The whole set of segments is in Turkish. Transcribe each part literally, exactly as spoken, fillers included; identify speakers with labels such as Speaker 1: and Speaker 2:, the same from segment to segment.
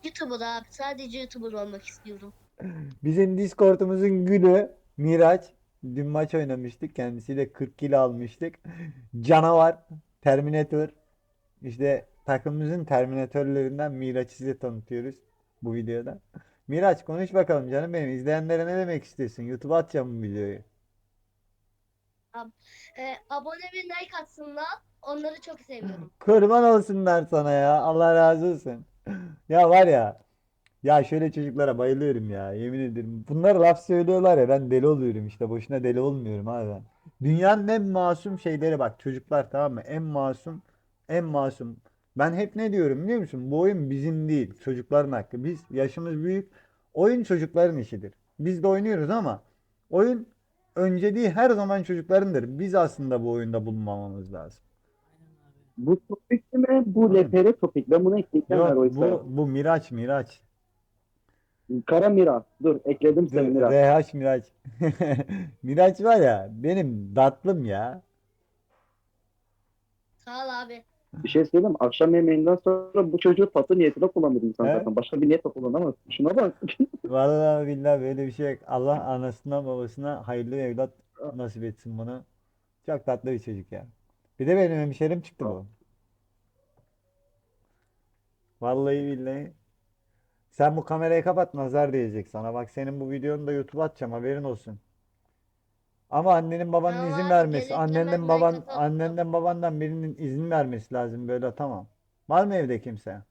Speaker 1: YouTuber abi. Sadece YouTuber olmak istiyorum.
Speaker 2: Bizim Discord'umuzun gülü Miraç. Dün maç oynamıştık. Kendisiyle kırk kilo almıştık. Canavar. Terminator. İşte takımımızın Terminatörlerinden Miraç'ı size tanıtıyoruz bu videoda. Miraç konuş bakalım canım benim. İzleyenlere ne demek istiyorsun? YouTube'a atacağım bu videoyu.
Speaker 1: Ab e, abone ve like atsınlar. Onları çok seviyorum.
Speaker 2: Kurban olsunlar sana ya. Allah razı olsun. Ya var ya. Ya şöyle çocuklara bayılıyorum ya. Yemin ederim. Bunlar laf söylüyorlar ya. Ben deli oluyorum işte. Boşuna deli olmuyorum abi ben. Dünyanın en masum şeyleri bak. Çocuklar tamam mı? En masum. En masum. Ben hep ne diyorum biliyor musun? Bu oyun bizim değil. Çocukların hakkı. Biz yaşımız büyük. Oyun çocukların işidir. Biz de oynuyoruz ama oyun önceliği her zaman çocuklarındır. Biz aslında bu oyunda bulunmamamız lazım.
Speaker 3: Bu topik mi? Bu
Speaker 2: Oğlum,
Speaker 3: L P R topik. Ben bunu ekleyeceğim her
Speaker 2: yok
Speaker 3: oysa.
Speaker 2: bu bu Miraç Miraç.
Speaker 3: Kara Mira. Dur ekledim
Speaker 2: Dur,
Speaker 3: seni Mira.
Speaker 2: R H Miraç. Miraç var ya benim tatlım ya.
Speaker 1: Sağ ol abi.
Speaker 3: Bir şey söyleyeyim mi? Akşam yemeğinden sonra bu çocuğu tatlı niyetine kullanır insan
Speaker 2: He?
Speaker 3: zaten. Başka bir niyetle kullanamaz. Şuna bak.
Speaker 2: Vallahi billahi böyle bir şey yok. Allah anasına babasına hayırlı evlat nasip etsin bunu. Çok tatlı bir çocuk ya. Bir de benim hemşerim çıktı bu. Vallahi billahi. Sen bu kamerayı kapat nazar diyecek sana. Bak senin bu videonu da YouTube'a atacağım haberin olsun. Ama annenin babanın
Speaker 1: Tamam
Speaker 2: izin
Speaker 1: abi
Speaker 2: vermesi.
Speaker 1: gelir gelmez
Speaker 2: Annenden
Speaker 1: like
Speaker 2: baban
Speaker 1: atalım.
Speaker 2: annenden babandan birinin izin vermesi lazım böyle tamam. Var mı evde kimse?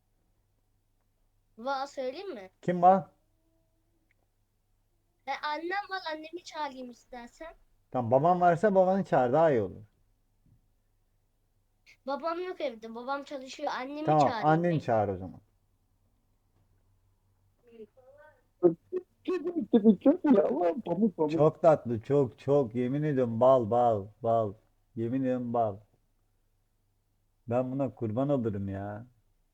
Speaker 1: Va söyleyeyim mi?
Speaker 2: Kim var?
Speaker 1: E, annem var, annemi çağırayım istersen.
Speaker 2: Tamam baban varsa babanı çağır daha iyi olur.
Speaker 1: Babam yok evde. Babam çalışıyor. Annemi
Speaker 2: Tamam
Speaker 1: çağırayım
Speaker 2: anneni
Speaker 1: ben.
Speaker 2: çağır o zaman.
Speaker 3: Tipi çok iyi ama pamuk pamuk.
Speaker 2: Çok tatlı çok çok yemin ediyorum bal bal bal. Yemin ediyorum bal. Ben buna kurban olurum ya.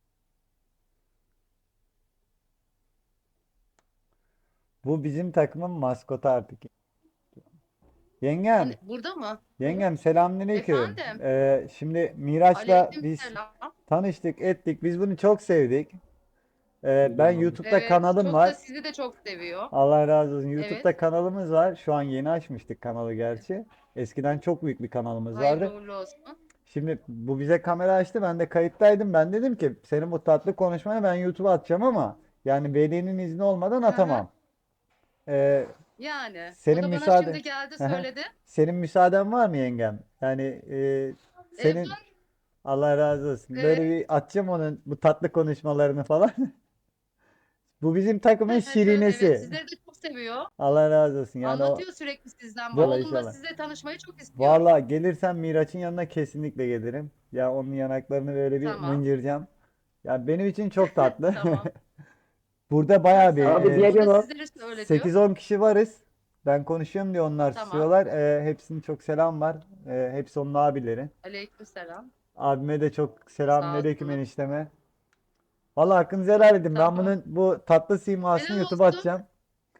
Speaker 2: Bu bizim takımın maskotu artık. Yengem,
Speaker 4: Hani burada mı?
Speaker 2: yengem selamünaleyküm.
Speaker 4: Efendim?
Speaker 2: Ee, şimdi Miraç'la biz
Speaker 4: Aleykümselam.
Speaker 2: tanıştık ettik. Biz bunu çok sevdik. Ee, ben YouTube'da
Speaker 4: Evet,
Speaker 2: kanalım
Speaker 4: çok da
Speaker 2: var.
Speaker 4: sizi de çok seviyor.
Speaker 2: Allah razı olsun.
Speaker 4: Evet,
Speaker 2: YouTube'da kanalımız var. Şu an yeni açmıştık kanalı gerçi. Eskiden çok büyük bir kanalımız
Speaker 4: hayırlı
Speaker 2: vardı.
Speaker 4: uğurlu olsun.
Speaker 2: Şimdi bu bize kamera açtı. Ben de kayıttaydım. Ben dedim ki senin bu tatlı konuşmanı ben YouTube'a atacağım ama yani velinin izni olmadan
Speaker 4: Hı hı.
Speaker 2: atamam. Ee,
Speaker 4: Yani, o
Speaker 2: senin
Speaker 4: da bana
Speaker 2: müsaade
Speaker 4: şimdi geldi söyledi.
Speaker 2: senin müsaaden var mı yengem? Yani e,
Speaker 4: E,
Speaker 2: senin
Speaker 4: var,
Speaker 2: Allah razı olsun. Böyle
Speaker 4: evet.
Speaker 2: bir atacağım onun bu tatlı konuşmalarını falan. Bu bizim takımın
Speaker 4: Evet,
Speaker 2: şirinesi.
Speaker 4: sizleri de çok seviyor.
Speaker 2: Allah razı olsun. Yani o
Speaker 4: Anlatıyor sürekli sizden.
Speaker 2: vallahi
Speaker 4: Oğlum da
Speaker 2: inşallah.
Speaker 4: size tanışmayı çok istiyor.
Speaker 2: Vallahi gelirsen Miraç'ın yanına kesinlikle gelirim. Ya onun yanaklarını böyle bir
Speaker 4: Tamam,
Speaker 2: mıncıracağım. Ya benim için çok tatlı.
Speaker 4: tamam.
Speaker 2: Burada
Speaker 4: Ha,
Speaker 2: bayağı bir
Speaker 4: sağ
Speaker 3: Abi
Speaker 4: olsun.
Speaker 2: e,
Speaker 4: O
Speaker 3: diğer
Speaker 4: da
Speaker 3: yana.
Speaker 4: sizlere öyle diyor.
Speaker 2: sekiz on kişi varız. Ben konuşuyorum diye onlar
Speaker 4: Tamam.
Speaker 2: susuyorlar. E, hepsinin çok selam var. E, hepsi onun abileri.
Speaker 4: Aleykümselam.
Speaker 2: Abime de çok
Speaker 4: Sağ
Speaker 2: selamünaleyküm
Speaker 4: olsunlar.
Speaker 2: enişteme. Vallahi hakkınızı helal edin. Ben
Speaker 4: Tamam.
Speaker 2: bunun bu tatlı simasını
Speaker 4: Helal
Speaker 2: YouTube'a
Speaker 4: olsun.
Speaker 2: atacağım.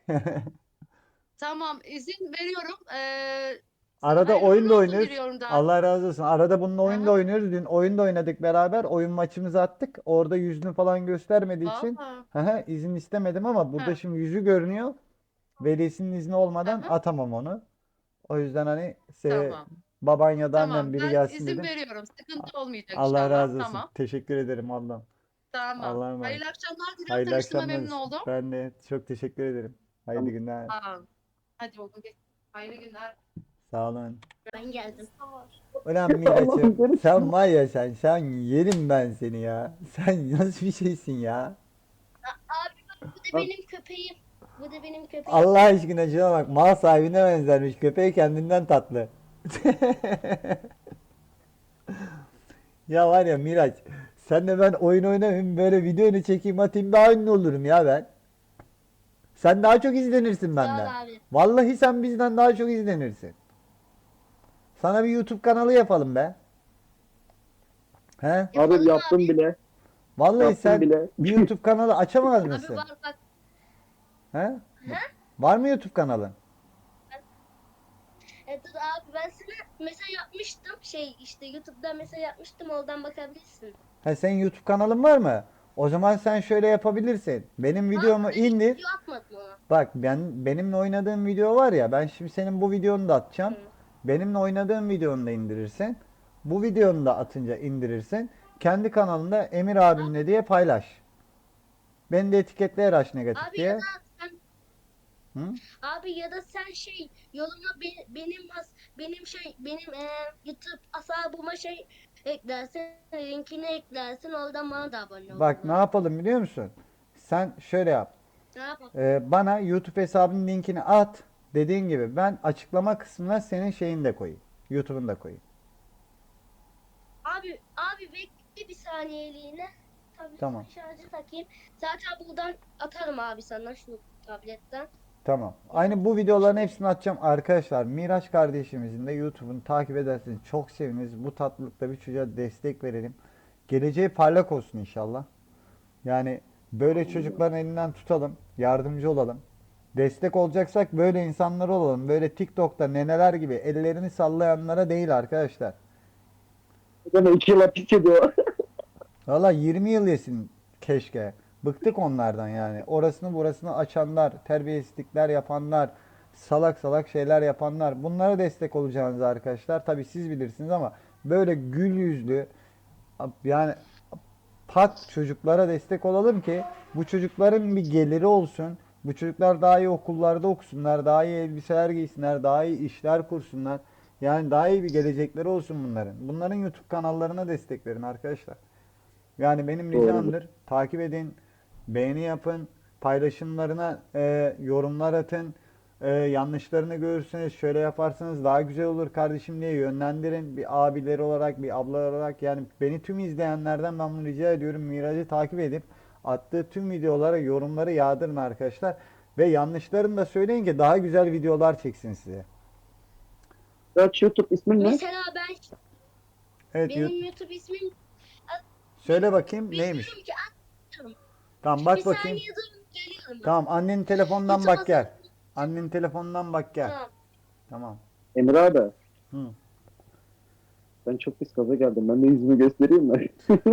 Speaker 4: Tamam, izin veriyorum. Ee,
Speaker 2: Arada
Speaker 4: hayırlı
Speaker 2: oyun
Speaker 4: uğurlu
Speaker 2: da
Speaker 4: olsun
Speaker 2: oynuyoruz.
Speaker 4: diliyorum daha.
Speaker 2: Allah razı olsun. Arada bununla
Speaker 4: Hı
Speaker 2: oyun da
Speaker 4: hı.
Speaker 2: oynuyoruz. Dün oyun da oynadık beraber. Oyun maçımızı attık. Orada yüzünü falan göstermediği için
Speaker 4: Valla.
Speaker 2: hı hı, izin istemedim ama burada
Speaker 4: Hı
Speaker 2: şimdi yüzü görünüyor. Velisinin izni
Speaker 4: hı.
Speaker 2: olmadan
Speaker 4: Hı.
Speaker 2: atamam onu. O yüzden hani se
Speaker 4: Tamam.
Speaker 2: baban ya da annem
Speaker 4: Tamam.
Speaker 2: biri
Speaker 4: Ben
Speaker 2: gelsin
Speaker 4: izin
Speaker 2: dedim.
Speaker 4: veriyorum.
Speaker 2: A-
Speaker 4: Sıkıntı olmayacak
Speaker 2: Allah
Speaker 4: inşallah.
Speaker 2: razı olsun.
Speaker 4: Tamam.
Speaker 2: Teşekkür ederim ablam.
Speaker 4: Tamam.
Speaker 2: Allah'a emanet.
Speaker 4: Hayırlı akşamlar diliyorum.
Speaker 2: Hayırlı
Speaker 4: Tanıştığıma
Speaker 2: akşamlar.
Speaker 4: memnun oldum.
Speaker 2: Ben de çok teşekkür ederim. Hayırlı günler.
Speaker 4: Tamam. Hadi oğlum geç. Hayırlı günler.
Speaker 2: Sağ olun.
Speaker 1: Ben geldim.
Speaker 2: Ulan
Speaker 3: Allah'ım
Speaker 2: Miraç'ım
Speaker 3: görürsün.
Speaker 2: sen var ya sen sen yerim ben seni ya. Sen nasıl bir şeysin ya?
Speaker 1: Abi bak bu da benim köpeğim. Bu da benim köpeğim.
Speaker 2: Allah aşkına şuna bak mal sahibine benzermiş köpeği kendinden tatlı. Ya var ya Miraç sen de ben oyun oynamayayım böyle videonu çekeyim atayım daha ünlü olurum ya ben. Sen daha çok izlenirsin
Speaker 1: Sağ ol
Speaker 2: benden.
Speaker 1: abi.
Speaker 2: Vallahi sen bizden daha çok izlenirsin. Sana bir YouTube kanalı yapalım be. He?
Speaker 3: Abi
Speaker 1: Yapalım
Speaker 3: yaptım
Speaker 1: abi.
Speaker 3: bile.
Speaker 2: Vallahi
Speaker 3: Yaptım
Speaker 2: sen
Speaker 3: bile.
Speaker 2: bir YouTube kanalı açamaz
Speaker 1: Abi
Speaker 2: mısın?
Speaker 1: var bak.
Speaker 2: He?
Speaker 1: Ha?
Speaker 2: Var mı YouTube kanalın?
Speaker 1: E, dur abi ben sana mesaj yapmıştım. Şey işte YouTube'da mesaj yapmıştım. Oradan bakabilirsin.
Speaker 2: Ha senin YouTube kanalın var mı? O zaman sen şöyle yapabilirsin. Benim videomu
Speaker 1: Abi, ben hiç
Speaker 2: indir.
Speaker 1: video atmadım ona.
Speaker 2: Bak ben benimle oynadığım video var ya, ben şimdi senin bu videonu da atacağım.
Speaker 1: Hı.
Speaker 2: Benimle oynadığım videonu da indirirsin. Bu videonu da atınca indirirsin. Kendi kanalında Emir abimle diye paylaş. Beni de etiketle Eraş Negatif
Speaker 1: Abi ya
Speaker 2: diye.
Speaker 1: da sen
Speaker 2: Hı?
Speaker 1: abi ya da sen şey yoluma be- benim has- benim şey benim e, YouTube hesabıma şey eklersin, linkini eklersin, oradan bana da abone olurlar.
Speaker 2: Bak ne yapalım biliyor musun? Sen şöyle yap.
Speaker 1: Ne yapalım?
Speaker 2: Ee, bana YouTube hesabının linkini at. Dediğin gibi ben açıklama kısmına senin şeyini de koyayım. YouTube'unu da koyayım.
Speaker 1: Abi abi bekle bir saniyeliğine. Tabii
Speaker 2: Tamam.
Speaker 1: şarjı takayım. Zaten buradan atarım abi sana şu tabletten.
Speaker 2: Tamam. Aynı bu videoların hepsini atacağım arkadaşlar. Miraç kardeşimizin de YouTube'unu takip ederseniz çok seviniriz. Bu tatlılıkta bir çocuğa destek verelim. Geleceği parlak olsun inşallah. Yani böyle çocukların elinden tutalım, yardımcı olalım. Destek olacaksak böyle insanlar olalım. Böyle TikTok'ta neneler gibi ellerini sallayanlara değil arkadaşlar.
Speaker 3: Deme iki yıl hapis ediyor.
Speaker 2: Valla yirmi yıl yesin keşke. Bıktık onlardan yani. Orasını burasını açanlar, terbiyesizlikler yapanlar, salak salak şeyler yapanlar. Bunlara destek olacağınız arkadaşlar. Tabi siz bilirsiniz ama böyle gül yüzlü yani pak çocuklara destek olalım ki bu çocukların bir geliri olsun. Bu çocuklar daha iyi okullarda okusunlar, daha iyi elbiseler giysinler, daha iyi işler kursunlar. Yani daha iyi bir gelecekleri olsun bunların. Bunların YouTube kanallarına destek verin arkadaşlar. Yani benim
Speaker 3: Doğru.
Speaker 2: ricamdır. Takip edin, beğeni yapın, paylaşımlarına e, yorumlar atın. E, yanlışlarını görürseniz şöyle yaparsanız daha güzel olur kardeşim diye yönlendirin. Bir abileri olarak, bir ablalar olarak yani beni tüm izleyenlerden ben bunu rica ediyorum. Miraç'ı takip edip attığı tüm videolara yorumları yağdırın arkadaşlar. Ve yanlışlarını da söyleyin ki daha güzel videolar çeksin size.
Speaker 3: Kaç YouTube ismin ne?
Speaker 1: Mesela ben
Speaker 2: Evet,
Speaker 1: benim
Speaker 2: YouTube-
Speaker 1: YouTube ismim
Speaker 2: söyle bakayım
Speaker 1: bilmiyorum
Speaker 2: neymiş?
Speaker 1: ki atıyorum.
Speaker 2: Tamam
Speaker 1: Bir
Speaker 2: bak bakayım.
Speaker 1: saniye durun, geliyorum ben.
Speaker 2: Tamam annenin telefonundan
Speaker 1: YouTube
Speaker 2: bak gel.
Speaker 1: hesabı-
Speaker 2: Annenin telefonundan bak gel.
Speaker 1: Tamam.
Speaker 2: Tamam.
Speaker 3: Emir abi.
Speaker 2: Hı.
Speaker 3: Ben çok pis gaza geldim. Ben de yüzümü göstereyim mi?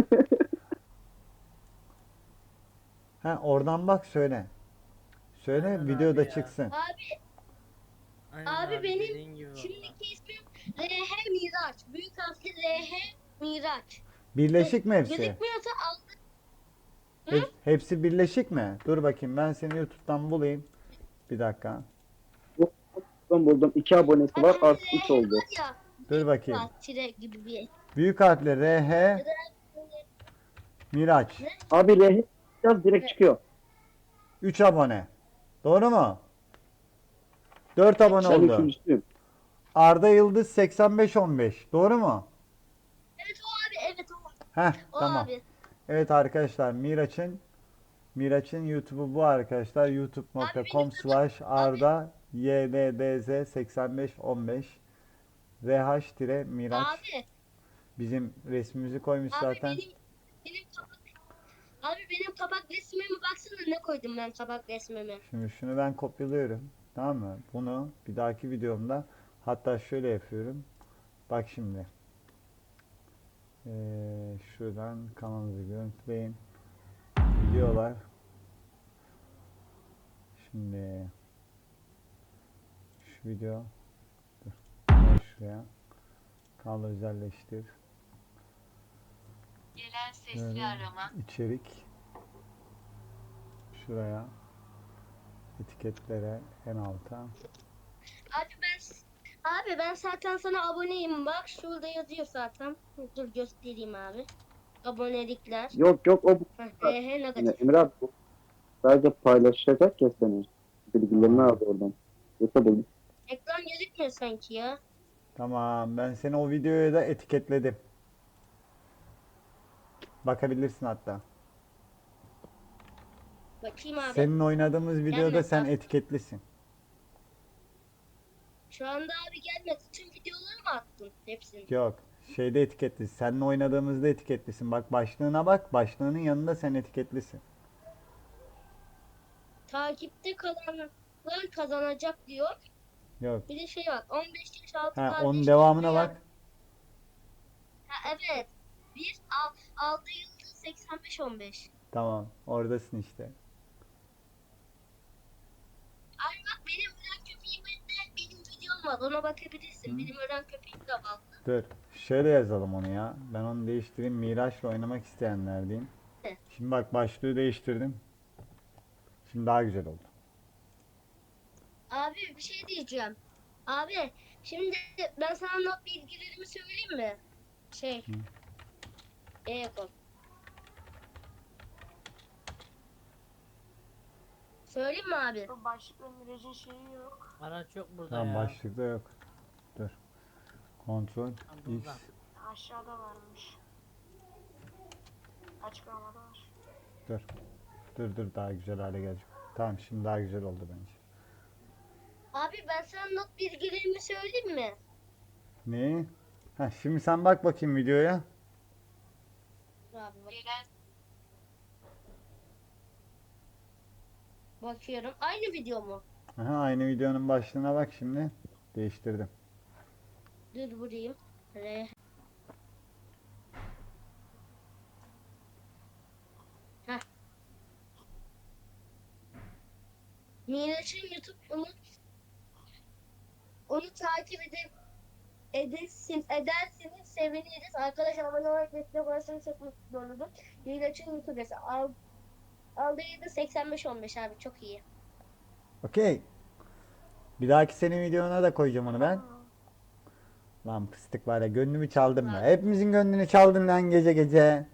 Speaker 2: Ha oradan bak söyle. Söyle
Speaker 5: Aynen
Speaker 2: videoda
Speaker 5: abi ya.
Speaker 2: çıksın.
Speaker 1: Abi
Speaker 5: Aynen
Speaker 1: Abi benim
Speaker 5: dediğin gibi valla.
Speaker 1: şimdiki ismim R H Miraç. Büyük harfli R H Miraç.
Speaker 2: Birleşik mi hepsi?
Speaker 1: Gözükmüyorsa al.
Speaker 2: Hep- hepsi birleşik mi? Dur bakayım ben seni YouTube'dan bulayım. Bir dakika.
Speaker 3: Ben buldum. iki abonesi var. Artık üç oldu.
Speaker 1: Var ya.
Speaker 2: Dur bakayım.
Speaker 1: Var, tire gibi bir.
Speaker 2: Büyük harfle R H Miraç.
Speaker 3: Abi rehin yaz direkt çıkıyor.
Speaker 2: üç abone. Doğru mu? dört abone
Speaker 3: Ben
Speaker 2: oldu.
Speaker 3: üçüncüsüyüm.
Speaker 2: Arda Yıldız seksen beş on beş. Doğru mu?
Speaker 1: Evet o abi, evet o.
Speaker 2: Heh
Speaker 1: O
Speaker 2: tamam.
Speaker 1: abi.
Speaker 2: Evet arkadaşlar Miraç'ın Miraç'ın YouTube'u bu arkadaşlar. youtube nokta com slash arda yddz seksen beş on beş rh Miraç.
Speaker 1: Abi,
Speaker 2: Bizim resmimizi koymuş
Speaker 1: abi
Speaker 2: zaten.
Speaker 1: benim benim kapak Abi benim kapak resmime baksana, ne koydum ben kapak resmime.
Speaker 2: Şimdi şunu ben kopyalıyorum. Tamam mı? Bunu bir dahaki videomda hatta şöyle yapıyorum. Bak şimdi. Ee, şuradan kanalımızı görüntüleyin. Videolar. Şimdi şu video. Dur. Gel şuraya. Kanalı özelleştir.
Speaker 6: Gelen sesli
Speaker 2: Böyle
Speaker 6: arama.
Speaker 2: içerik. Şuraya. Etiketlere en alta.
Speaker 1: Abi ben Abi ben zaten sana aboneyim, bak şurada yazıyor zaten. Dur göstereyim abi. Abonelikler.
Speaker 3: Yok yok o
Speaker 1: Heh, R H
Speaker 3: yani
Speaker 1: negatif.
Speaker 3: Emir abi bu sadece paylaşacak ya senin. Bilgilerini aldı oradan. Yoksa buldum.
Speaker 1: Ekran gözükmüyor sanki ya.
Speaker 2: Tamam, ben seni o videoya da etiketledim. Bakabilirsin hatta.
Speaker 1: Bakayım abi.
Speaker 2: Senin oynadığımız videoda
Speaker 1: Gelmedi
Speaker 2: sen
Speaker 1: abi.
Speaker 2: etiketlisin.
Speaker 1: Şu anda abi gelmedi. Tüm videoları mı attın hepsini?
Speaker 2: Yok, şeyde etiketli. Seninle oynadığımızda etiketlisin. Bak başlığına bak. Başlığının yanında sen etiketlisin.
Speaker 1: Takipte kalanlar kazanacak diyor.
Speaker 2: Yok.
Speaker 1: Bir de şey var. on beş yaş altı
Speaker 2: Ha,
Speaker 1: kardeş
Speaker 2: onun devamına
Speaker 1: veya-
Speaker 2: bak.
Speaker 1: Ha, evet. bir altı yıldız seksen beş on beş.
Speaker 2: Tamam, oradasın işte.
Speaker 1: Ay bak benim ölen köpeğimde benim videom var. Ona bakabilirsin.
Speaker 2: Hı.
Speaker 1: Benim ölen köpeğim de var.
Speaker 2: Dur. Şöyle yazalım onu ya. Ben onu değiştireyim. Miraç'la oynamak isteyenler diyeyim.
Speaker 1: Evet.
Speaker 2: Şimdi bak başlığı değiştirdim. Şimdi daha güzel oldu.
Speaker 1: Abi bir şey diyeceğim. Abi şimdi ben sana not bilgilerimi söyleyeyim mi? Şey.
Speaker 2: Hı.
Speaker 1: E-kod. Söyleyeyim mi abi?
Speaker 5: Bu başlıkla Miraç'ın şeyi yok.
Speaker 6: Araç yok burada
Speaker 2: Tamam
Speaker 6: ya.
Speaker 2: başlıkta yok. Dur. Kontrol
Speaker 6: Ha,
Speaker 2: X.
Speaker 6: burada.
Speaker 5: Aşağıda varmış. Açıklamada var.
Speaker 2: Dur. Dur dur daha güzel hale gelecek. Tamam şimdi daha güzel oldu bence.
Speaker 1: Abi ben sana not bilgilerimi söyleyeyim mi?
Speaker 2: Ne? Ha, şimdi sen bak bakayım videoya.
Speaker 1: Abi bak. Bakıyorum. Aynı video mu?
Speaker 2: Aha, aynı videonun başlığına bak şimdi. Değiştirdim.
Speaker 1: Dur vurayım. Re. Heh. Miraç'ın YouTube onu onu takip edip edersin, edersiniz seviniriz. Arkadaşlar abone olarak destek olursanız çok mutlu olurum. Miraç'ın YouTube hesabı. Al, aldığı da seksen beş on beş abi çok iyi.
Speaker 2: Okey. Bir dahaki senin videona da koyacağım onu ben.
Speaker 5: Aa,
Speaker 2: Lan fıstık var ya gönlümü çaldın be.
Speaker 1: Abi.
Speaker 2: Hepimizin gönlünü çaldın lan gece gece.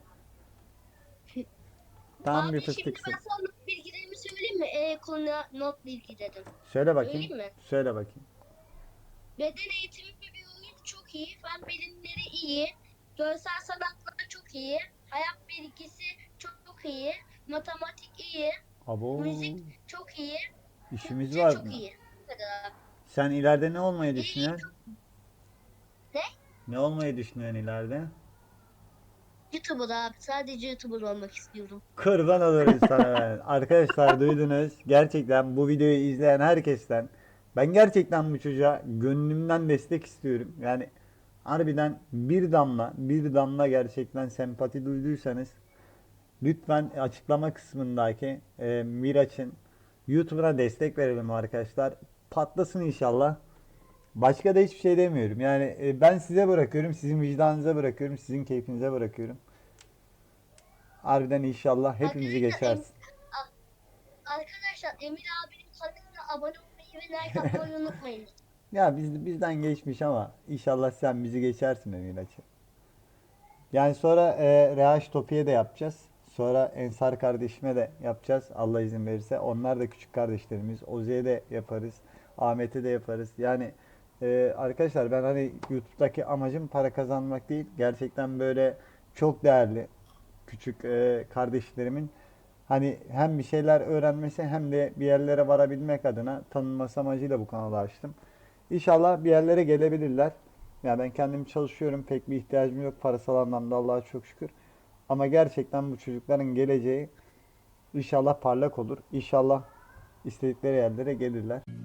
Speaker 2: Tam
Speaker 1: Abi
Speaker 2: bir
Speaker 1: şimdi
Speaker 2: fıstıksın.
Speaker 1: ben sana not bilgilerimi söyleyeyim mi? E konuya not bilgilerim.
Speaker 2: Söyle bakayım.
Speaker 1: Söyleyeyim mi?
Speaker 2: Söyle bakayım.
Speaker 1: Beden eğitimi ve biyoloji çok iyi. Fen bilimleri iyi. Görsel sanatlar çok iyi. Hayat bilgisi çok, çok iyi. Matematik iyi.
Speaker 2: Abo.
Speaker 1: Müzik çok iyi.
Speaker 2: İşimiz
Speaker 1: Türkçe
Speaker 2: var
Speaker 1: çok
Speaker 2: mı?
Speaker 1: iyi. Bu kadar.
Speaker 2: Sen ileride ne olmayı
Speaker 1: İyi,
Speaker 2: düşünüyorsun?
Speaker 1: Ne?
Speaker 2: Ne olmayı düşünüyorsun ileride?
Speaker 1: YouTuber abi. Sadece YouTuber olmak istiyorum.
Speaker 2: Kurban olurum sana ben. Arkadaşlar duydunuz. Gerçekten bu videoyu izleyen herkesten ben gerçekten bu çocuğa gönlümden destek istiyorum. Yani harbiden bir damla bir damla gerçekten sempati duyduysanız lütfen açıklama kısmındaki e, Miraç'ın YouTube'una destek verelim arkadaşlar. Patlasın inşallah. Başka da hiçbir şey demiyorum. Yani e, ben size bırakıyorum. Sizin vicdanınıza bırakıyorum. Sizin keyfinize bırakıyorum. Harbiden inşallah hepimizi
Speaker 1: Arkadaşlar, Em-
Speaker 2: geçersin.
Speaker 1: A- Arkadaşlar Emir abinin kanalına abone olmayı ve like atmayı unutmayın.
Speaker 2: Ya biz, bizden geçmiş ama inşallah sen bizi geçersin Emin açı. Yani sonra e, Rehaş Topi'ye de yapacağız. Sonra Ensar kardeşime de yapacağız. Allah izin verirse. Onlar da küçük kardeşlerimiz. Oze'ye de yaparız. Ahmet'e de yaparız. Yani e, arkadaşlar ben hani YouTube'daki amacım para kazanmak değil. Gerçekten böyle çok değerli küçük e, kardeşlerimin hani hem bir şeyler öğrenmesi hem de bir yerlere varabilmek adına tanınması amacıyla bu kanalı açtım. İnşallah bir yerlere gelebilirler. Yani ben kendim çalışıyorum. Pek bir ihtiyacım yok parasal anlamda Allah'a çok şükür. Ama gerçekten bu çocukların geleceği inşallah parlak olur. İnşallah istedikleri yerlere gelirler.